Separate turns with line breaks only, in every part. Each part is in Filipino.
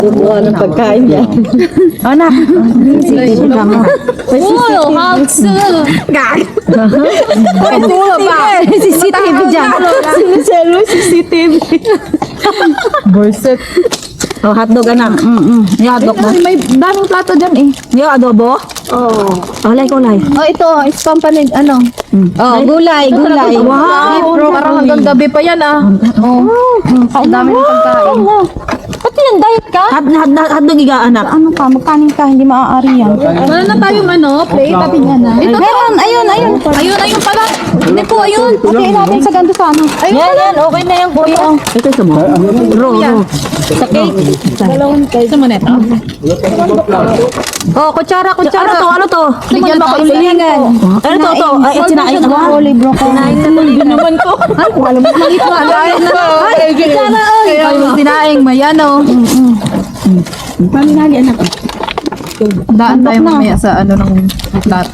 Gumawa ng pagkain niya.
Anak. CCTV ka mo. CCTV dyan.
Siniselo, CCTV.
Borset. Oh, hotdog anak. Yung hotdog mo.
May daming plato dyan eh.
Yung adobo.
Oh.
Kulay, kulay.
Oh, ito, is company, ano?
Oh, gulay, gulay.
Wow, bro, parang hanggang gabi pa yan ah. Oh, ang dami ng pagkain. Ba't yan, diet ka?
Hotdog iga anak.
Ano ka, magkanin ka, hindi maaari yan. Wala na tayong ano, plate, tabi niya na. Ito, meron, ayun. Ayun pala. Hindi po, ayun. Okay, natin sa ganito sa ano. Ayun pala.
Okay na yan, kuya. Ito sa mo. Ro. Sa cake.
Sa mo neto.
Oh, kutsara. Ano to?
Bigyan mo ako ilingan.
Ano to? Ay, sinain na ba?
Broccoli.
Sinain na to. Hindi naman ko.
Ay, alam mo, maliit mo. Ay, kutsara. Ay, sinaing, may ano.
Paminali anak.
Daan tayo mamaya sa ano ng plato.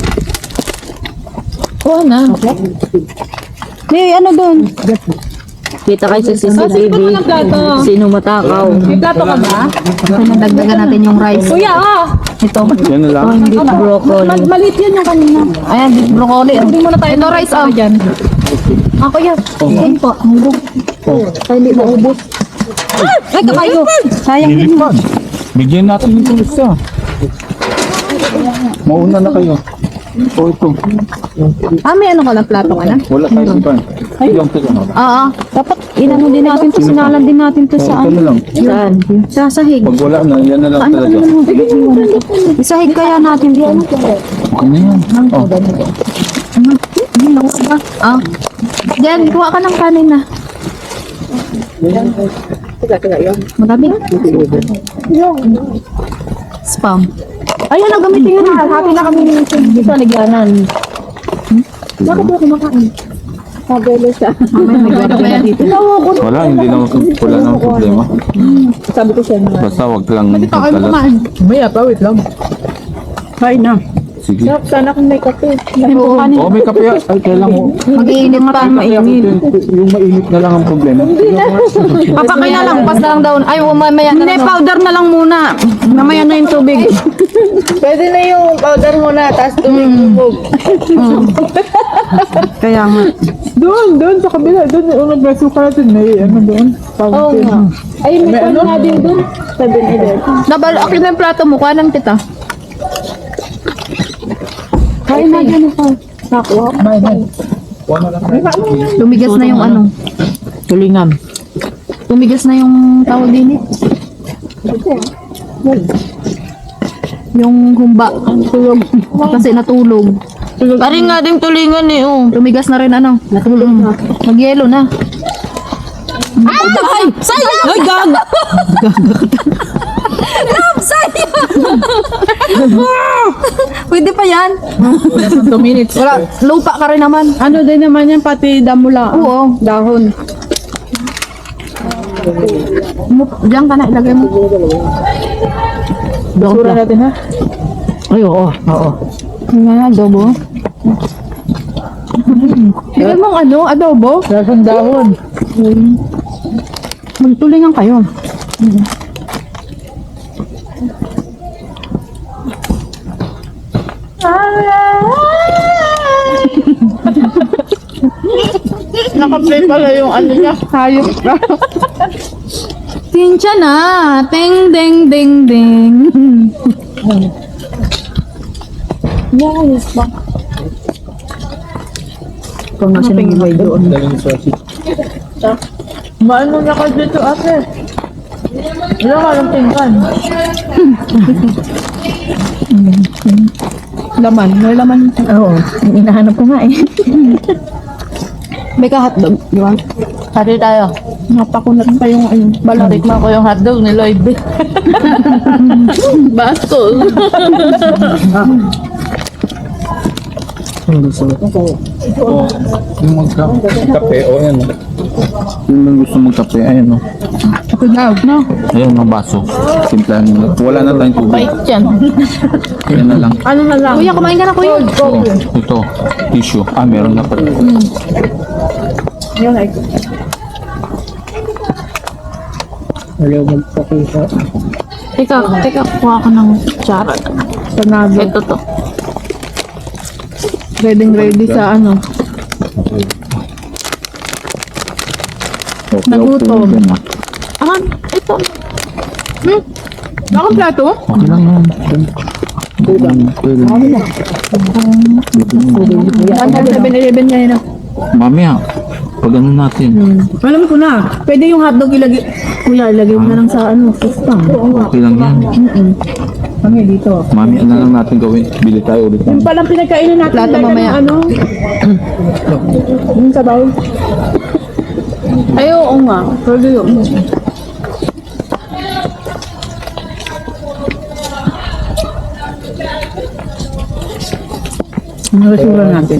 Oo na. May ano doon?
Kita kayo sa CCTV. Sino matakaw?
May plato ka ba?
Dagdagan natin yung rice.
Kuya,
Ito.
Yan na lang.
Beef broccoli.
Maliit yan yung kanina.
Ayan, beef broccoli. Hindi muna tayo. Ito rice oh.
Dyan.
Ako yan. Ayun po. Hanggang. Ay, hindi maubos. Ay, kabayo. Sayang din mo.
Bigyan natin yung isa. Mauna na kayo. O ito.
Ah, may ano ka lang plato ka na?
Wala tayong iba. Ilang pila na.
Oo. Dapat inano din natin to. Sinalan din natin to sa
Ito na lang.
Saan?
sa sahig.
Pag wala na, yan na lang talaga.
Isahig kaya natin diyan.
Okay na yan. Oh.
Ah. Diyan, kuha ka ng kanin na. Marami. Spam.
Ayun, gamitin yun. Happy na kami dito sa ligyanan. Bakit ako kumakain? Sabelo siya.
Wala, hindi na wala na problema.
Sabi ko siya na.
Basta wag lang magkalat.
Maya pa, wait lang. Kain na.
Sige.
Sana kung may kape.
Oh, may kape. Ay, kailan mo.
Mag-iinit pa.
Mainit. Yung mainit na lang ang problema.
Papakay na lang. Pas na lang daw. Ay, mamaya na
Hindi,
lang.
powder na lang muna. Mamaya na yung tubig.
Pwede na yung powder muna, tapos tumigubog.
Kaya nga.
Doon sa kabila, doon yung unang preso ka natin, may ano doon.
Oo nga. Ay, may kwan na din doon. 7-11.
Dabal, akin na yung plato mo. Kuha ng tita.
Kain na dyan ako. Nakuha.
Tumigas na yung ano.
Tulingan.
Tumigas na yung tawag din eh. Yung humba. Tulog. Kasi natulog.
Paring nga din tulingan eh, oh.
Tumigas na rin ano. Natulog. Mag-yelo na. Ay! Sayang!
Ay, gag!
Pwede pa yan.
2 minutes.
Wala. Lupa ka rin naman.
Ano din naman yan, pati damula.
Oo.
Dahon.
Diyan ka na ilagay mo.
Sura natin ha.
Ay, oo. Oo.
Nga, adobo.
Tingnan mong ano, adobo. Lasang dahon.
Magtulingan kayo.
Nakaplay pala yung ano niya, hayop ka.
Tinsya na. Ting, ding, ding, ding.
Kung nasa nangibay doon.
Maano na ka dito ate? Wala ka lang tingkan.
Laman. May laman.
Oo. Inahanap ko nga eh.
May ka-hotdog. Di ba?
Hati tayo.
Napakunat pa yung ano.
Balarik mo ko yung hotdog ni Lloyd. Bastos.
Oh, yung magkape. O, yan. Yung gusto magkape, ayan o.
Ako daw, no?
Ayan, mga baso. Simplahan mo. Wala na tayong tubig.
Yan.
Ayan na lang.
Ano na lang?
Kuya, kumain ka na, kuya.
Oh, ito, tissue. Ah, meron na pala.
Yan ay.
Teka, kuha ka ng kutsara.
Panado.
Ito to.
Ready sa ano. Nagutom.
Ah, ito.
Bakang plato?
Okay lang yan.
Hanggang 7-Eleven ngayon na.
Mamaya, pag ano natin.
Alam ko na. Pwede yung hotdog ilagay. Kuya, ilagay mo na lang sa ano, system.
Okay lang yan.
Kami dito.
Mami, ano lang natin gawin? Bili tayo ulit.
Yung palang pinagkainan natin.
Plato
lagyan
mamaya.
ng Ano? Yung sabaw. Ay, oo nga. Pwede yun. Ano rasura natin?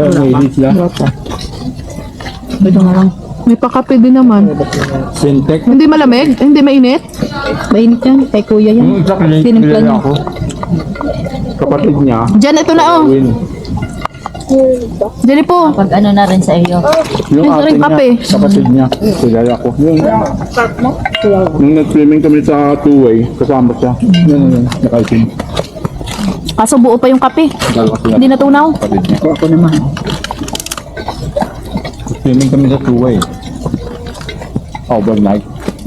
Ito nga lang.
May pakape din naman.
Sintek.
Hindi malamig? Hindi mainit?
Mainit yan. Kay kuya yan.
Yung isa
Tinimpla niya.
ako. Kapatid niya.
Diyan, ito na oh.
Win.
Diyan po.
Pag ano na rin sa iyo.
Yung
Ito rin
ate
kape.
niya, kapatid niya. Kilala ko. Nung nag-swimming kami sa two-way, kasama siya. Yun, nakaisin.
Kaso buo pa yung kape.
Kilala ko sila.
Hindi natunaw.
Kapatid niya.
Ako naman.
Swimming kami sa two-way. Overnight.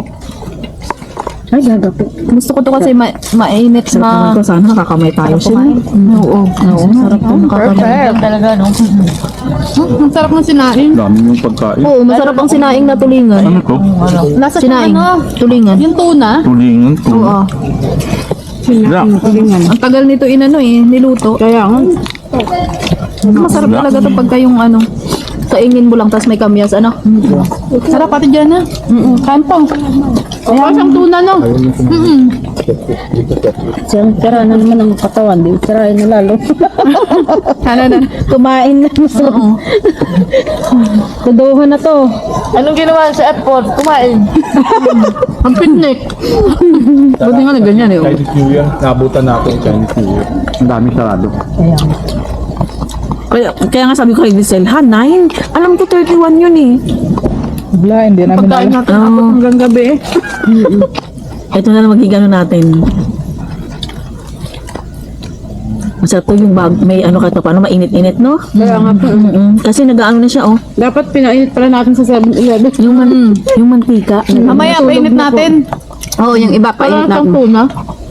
Ay, gaga po.
Gusto ko to kasi mainit na.
Ito sana nakakamay tayo siya.
Oo. Sarap to.
Perfect talaga, no?
Ang sarap ng sinaing.
Dami yung pagkain.
Oo, masarap ang sinaing na tulingan.
Ano to?
Nasa sinaing. Tulingan. Yung tuna.
Tulingan.
Oo.
Yeah.
Ang tagal nito inano eh, niluto.
Kaya nga.
Masarap talaga to pagka yung ano. Kaingin mo lang, tas may kamyas, ano? Sarap pati dyan, ha? Kain po. Kaya siyang tuna, no?
Siyang tira na naman ang katawan. Di tirahin na lalo.
Ano na?
Kumain na.
Oo.
Tuduhan na to.
Anong ginawa sa airport? Kumain.
Ang picnic. Buti nga na ganyan, eh. oh.
Chinese New Year. Nabutan natin Chinese New Year. Ang daming sarado.
Kaya nga sabi ko kay Giselle, ha, 9? Alam ko 31 yun eh.
Wala, hindi namin
Pagkain natin
Oo.
abot hanggang gabi.
Ito na lang magiging ano natin. Masarap to yung bag, may ano ka to, paano mainit-init, no?
Kaya nga po.
Kasi nag-aano na siya, oh.
Dapat pinainit pala natin sa 7-Eleven.
Yung mantika.
Mamaya, painit natin. Oo, yung iba, painit
Para
natin.
siyang tuna.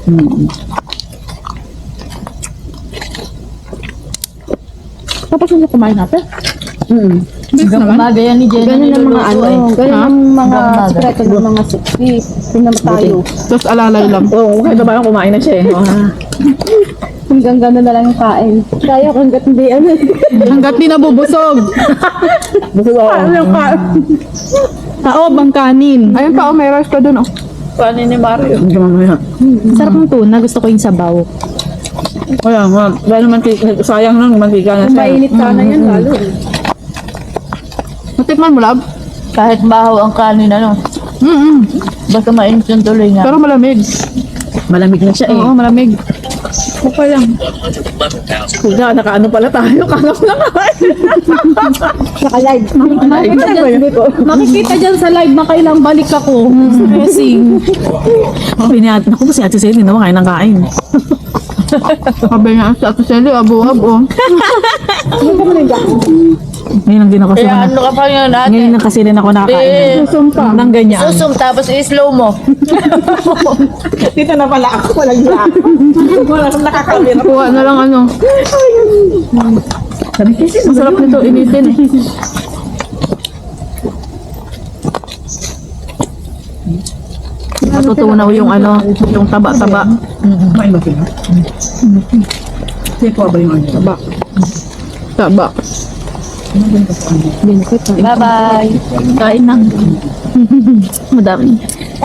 Tapos yung kumain natin.
Hanggang umaga yan ni Jenna
Ganyan ang mga
niluluto, eh.
ganyan ang mga
Hanggang
sekreto ng mga 60. Tingnan mo tayo.
Tapos alalay lang.
Oo, kahit ba kumain na siya eh. Hanggang gano'n na lang yung kain. Kaya ko hanggat hindi ano.
Hanggat di nabubusog.
Gusto ko. Ano yung kain?
Taob ang kanin. Ayun pa, oh, may rice pa dun, oh.
Paano ni Mario?
Sarap ng tuna. Gusto ko yung sabaw.
Kaya nga. Dahil mantika. Sayang lang mantika na siya. Mainit sana yan lalo.
Matikman mo, lab?
Kahit bahaw ang kanin, ano? Basta mainit yung tuloy nga.
Pero malamig.
Malamig na siya eh.
Oo, malamig.
Okay lang. Kuya, nakaano pala tayo. Kangap na kain. Naka-live.
Makikita dyan sa live na kailang balik ako. Stressing.
Pinat, naku, si Ate Celine, naman kain ng kain.
Sabi nga sa Ate Sally, abo-abo.
Ngayon lang din ako
Kaya
sa
ano ka pa yun, ate?
Ngayon lang kasi rin ako nakakain.
Eh,
Nang ganyan.
susum, tapos i-slow mo.
Dito na pala ako. Walang niya. Wala akong nakakawin.
Kuha na lang ano. Masarap nito, initin eh. Natutunaw yung ano, yung taba-taba. Taba.
Bye-bye.
Kain na. Madami.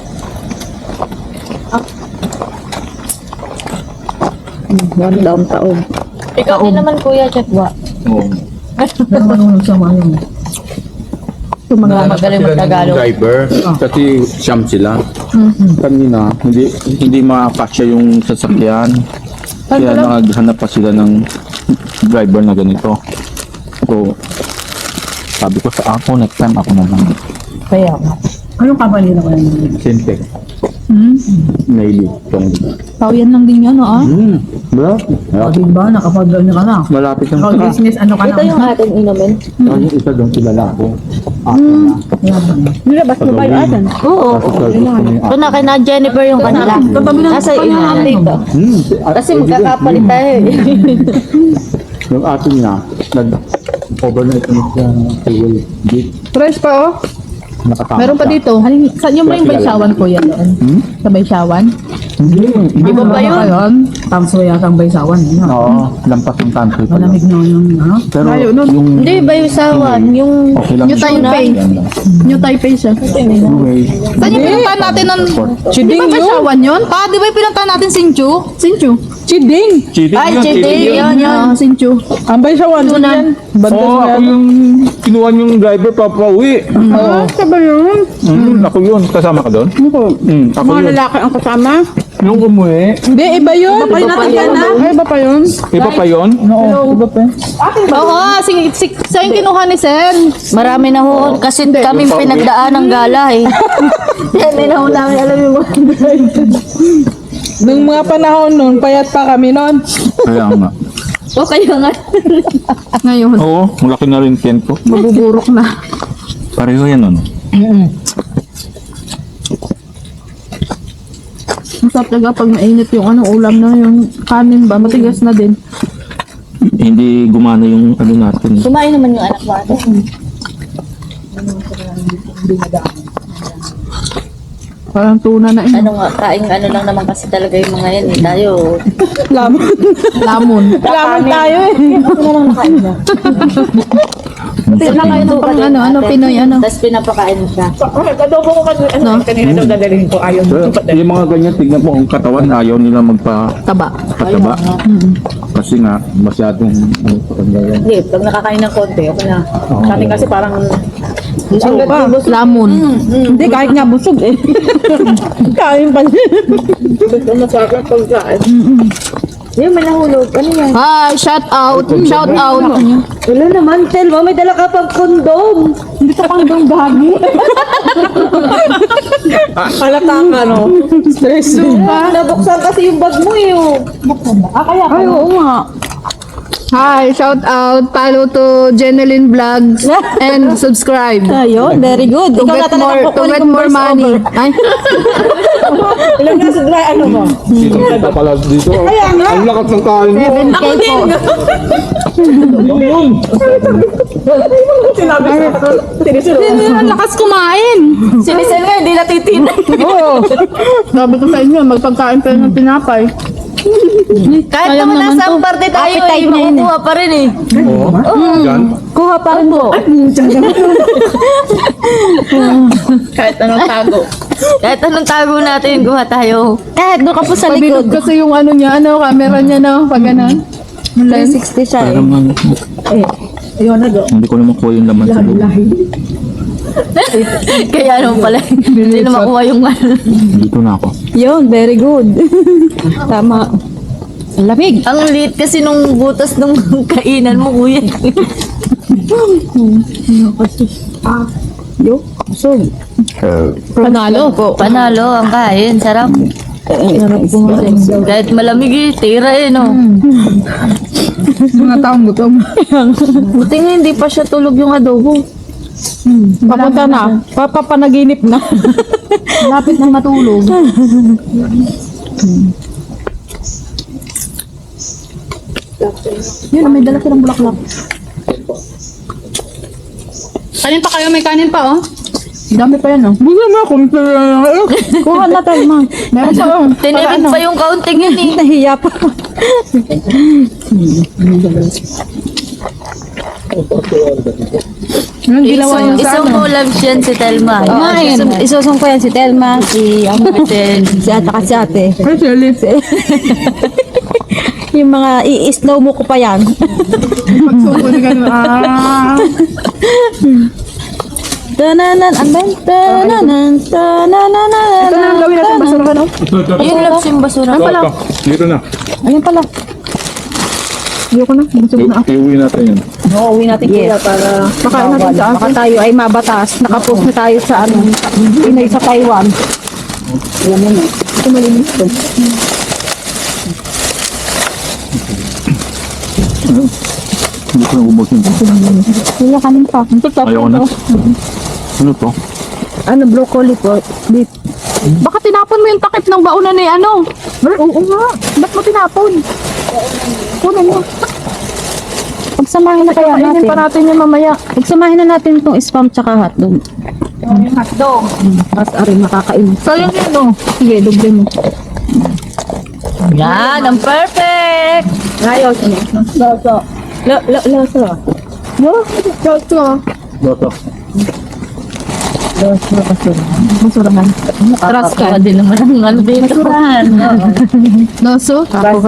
One daw taon.
Ikaw din naman, Kuya Chatwa.
Oo.
Yung mga magaling mag-Tagalog.
Driver. Kasi siyam sila. Kanina, hindi makakasya yung sasakyan. Kaya naghanap pa sila ng driver na ganito. So, sabi ko sa ako, next time ako na lang.
Kaya nga.
Anong company na kayo?
Sintec. Naili.
Tao yan lang din yan, ah.
Bro?
O, diba? Nakapag-ano ka na.
Malapit ng
Ikaw business, ano ka na?
Ito yung ating inumin.
Yung isa doon kilala ko. Ako na.
Nilabas mo ba yung atin? Oo. Ito na, kay na Jennifer yung kanila. Nasa inumin dito. Kasi magkakapalit tayo eh.
Yung ating na, nag-overnight na siya fuel gate.
Fresh pa oh.
Nakatama
Meron pa
siya.
dito. Saan yung ba yung Baysawan ko yan? Sa Baysawan?
Hindi
Iba ba yun?
Tamso yata ang baysawan. Yun.
Oo, lampas yung country pa yun.
Malamig na yung, ano?
Pero
Layo nun.
yung...
Hindi, Baysawan. Yung
Okay lang.
New Taipei. New Taipei siya.
Anyway,
Saan yung pinuntahan natin ng... Di ba Baysawan yun? Di ba yung pinuntahan natin Sinchu?
Sinchu. Chiding.
cheating
Ay,
yun,
Chiding.
yun.
Yun. Sinchu. Ang Baysawan. Tunan.
Oo, ako yung kinuha yung driver papauwi.
Ah, saba yun.
Ako yun. Kasama ka doon? Ako
Mga
yun.
lalaki ang kasama.
Nung umuwi,
Hindi, iba yun. Iba pa yun. Ay, iba pa yun.
iba pa yun?
Oo, iba pa.
Oo, sa yung kinuha ni Sen.
marami na ho. Kasi kaming pinagdaan ng gala eh. Hindi na ho namin alam yung mga
Nung mga panahon nun, payat pa kami nun.
Kaya nga.
O kaya nga.
Ngayon,
Oo, malaki na rin tent ko.
mabuburok na.
Pareho yan ano.
Masarap talaga pag mainit yung ulam na yung kanin ba, matigas na din.
Hindi gumana yung ano natin.
Kumain naman yung anak mo ate.
Parang tuna na eh.
Ano nga, kain ano lang naman kasi talaga yung mga yan eh. Tayo.
Lamon.
Lamon.
Lamon tayo eh.
Nakain ng pang Pinoy
Tapos pinapakain mo siya.
Adobo ko kasi, kanina daw dadalhin ko, ayaw mo.
Yung mga ganyan, tignan mo ang katawan, ayaw nila
Taba.
magpataba. Kasi nga, masyadong ano, patanda yan.
Hindi, pag nakakain ng konti, okay na. Sa atin kasi parang
Lamon.
Hindi, kahit nga busog eh. Kain pa niya.
Yung may nahulog. Ano yan?
Hi, shout out. Shout out.
Wala naman, Telma. May dala ka pang kondom.
Halata ka no. Stress.
Nabuksan kasi yung bag mo eh. Oh.
Ay, oo nga. Hi, shout out. Follow to Jeneline Vlogs and subscribe.
Ayun, very good.
To get more money. Ay,
ilang nasa dry, ano mo?
Dito ka pala dito. Ang lakas ng kain mo.
7K po.
Sinabi sa
Sino ang lakas kumain?
Sinisel nga, hindi natitinay.
Oo. Sabi ko sa inyo, magpagkain pa ng tinapay.
Kahit
Sayang
naman
naman
nasa
to.
parte tayo
Appetite
eh,
na yun
makukuha pa rin eh.
Oo. Yan.
Kuha pa rin po.
Kahit anong tago.
Kahit anong tago natin, kuha tayo.
Kahit doon ka po sa
Pabilog
likod.
kasi yung camera niya no, pag ganun.
360 siya eh.
Parang
Ayun na do.
hindi ko naman kuha yung laman sa loob.
Kaya ano pala, hindi na makuha yung ano.
Dito na ako.
Yun, very good. Tama.
Lamig.
Ang liit kasi nung butas nung kainan mo, kuya.
Panalo.
Panalo ang kain, sarap. Kahit malamig eh, tira eh, no?
Mga taong gutom.
Buti nga hindi pa siya tulog yung adobo.
Papunta na. Papanaginip na.
Lapit na matulog. Yun, may dala silang bulaklak. Kanin pa kayo, may kanin pa, oh.
Dami pa yan, oh. Busa mo, kumpira na.
Kuha na tayo, ma.
Meron pa, oh.
Tinipid pa yung kaunting yun eh.
Nahiya pa.
Anong ginawa niya sa
Isang ulam siyan si Telma.
Isusong ko yan si Telma, si
Si
ate ka si ate.
Ay, Shelly.
Yung mga i-slow mo ko pa yan.
Pagsuko ni ganun.
Tananan, andan, tananan, tananan.
Ito na ang gawin natin, basurahan, oh.
Yung labs yung basura.
Dito na.
Ayun pala. Ayoko na. Busog na ako.
Iuwi natin yun.
Uuwi natin kuya para
Baka natin sa
baka tayo ay mabatas. Nakapost na tayo sa ano, Pinoy sa Taiwan. Ayan mo na. Ito malinis to.
Hindi ko na ubusin.
Kuya, kanin pa.
Ayaw na. Ano to?
Ano, broccoli po. Beef.
Baka tinapon mo yung takip ng baunan ni ano. Oo nga. Ba't mo tinapon? Kunin mo.
Pagsamahin na kaya
Kainin
natin.
pa natin yung mamaya.
Pagsamahin na natin itong spam tsaka hotdog.
Hotdog.
Mas arin makakain.
Sayang yun, no?
Sige, doble mo.
Yan, ang perfect!
Ayos. Loso. Loso.
Loto.
Masurahan.
Trust ka din naman ang ano dito.
Loso?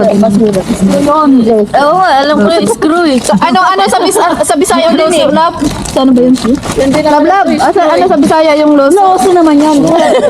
Oo, alam ko yung screw eh.
Ano sa Bisaya yung loso, lab? Ano ba yun? Lab. Ano sa Bisaya yung loso?
Loso naman yan.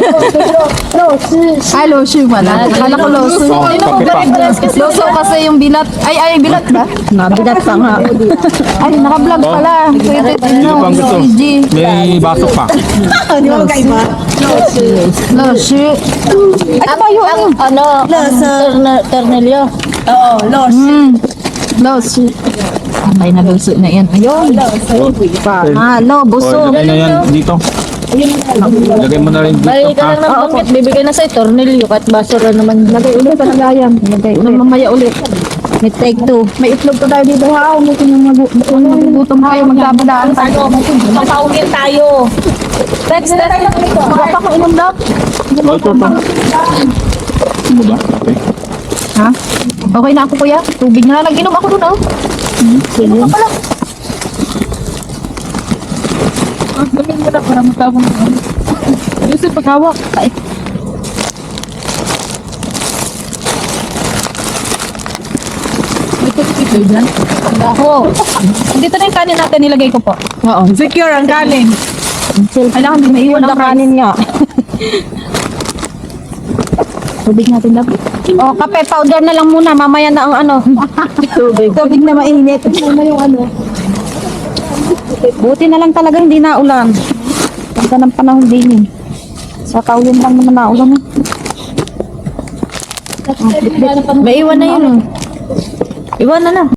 Ay, loso pala. Akala ko loso.
Oh, kape pa.
Loso kasi yung bilat. Ay, bilat ba?
Nabigat pa nga.
Ay, naka-vlog pala. Pwede
Sino bang gusto?
PG.
May baso pa.
Di ba magkaiba?
Loso. Ano ba yun?
Ano? Ternelio.
Oo, loso.
Loso. Ay, na-loso na yan. Ayun.
Halo,
O,
busog.
lagay na yan dito. Lagay mo na rin dito.
Balik ka lang ng bangkit, bibigay na sa'yo, tornilyo, kahit basura naman.
Lagay ulit sa lagayan. Lagay ulit. Mamaya ulit.
May take two.
May itlog pa tayo dito ha. Kung magugutom tayo, magdabadaan tayo.
Papaunin tayo. Text na tayo.
Magpapakainom daw.
Ito. Ano ba? Okay.
Ha? Okay na ako kuya. Tubig na lang. Nag-inom ako doon oh. Sige. Ano pala? Gamin mo na para magkabong na. Yusuf, paghawak. Ay. Ito dyan. Ako. Dito na yung kanin natin. Nilagay ko po. Oo. Secure ang kanin. Kailangan din maiwan ang kanin niya. Tubig natin lang.
Oh, kape powder na lang muna. Mamaya na ang ano. Tubig. Tubig na mainit.
Ano yung ano?
Buti na lang talaga hindi naulan. Ganda ng panahon din eh. Sa kaulin lang naman naulan eh.
May iwan na yun. Iwan na na.